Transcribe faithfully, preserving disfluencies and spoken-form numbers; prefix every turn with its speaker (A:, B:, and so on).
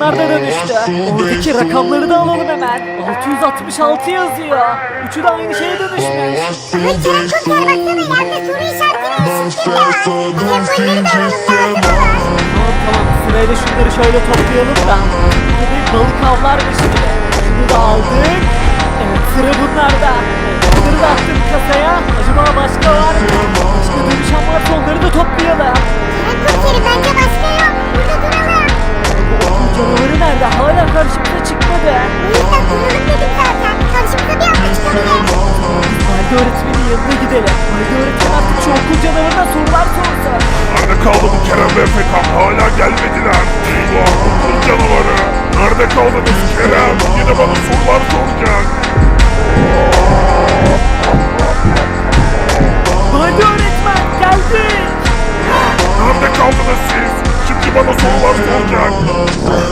A: onlar da dönüştü. Oradaki rakamları da alalım hemen. altı yüz altmış altı yazıyor. Üçü de aynı şeye dönüşmüş.
B: Ay Kerem komiser baksana yerde soru işaretleri ışık var. Sembolleri de alalım lazım olur.
A: Tamam tamam sırayla şunları şöyle toplayalım da. Bu bir balık avlarmış gibi. Şunu da aldık. Evet sıra bunlarda. Evet, bunları da attık kasaya. Acaba başka var mı? Başka dönüşen varsa onları da toplayalım.
B: Kerem komiserim bence başka yok. Burada duralım.
A: Bu canavarı nerede? Hala karşımıza çıkmadı.
B: Bu yüzden duralım dedik zaten. Karşımıza bir anda çıkabilir.
A: Valide öğretmenin yanına gidelim. Valide öğretmen artık şu okul canavarına sorular sorsun.
C: Nerede kaldı bu Kerem ve Efekan? Hala gelmediler. Eyvah okul canavarı. Nerede kaldınız Kerem? Yine bana sorular soracak.
A: Valide öğretmen geldik.
C: Nerede kaldınız siz? Şimdi bana sorular soracak.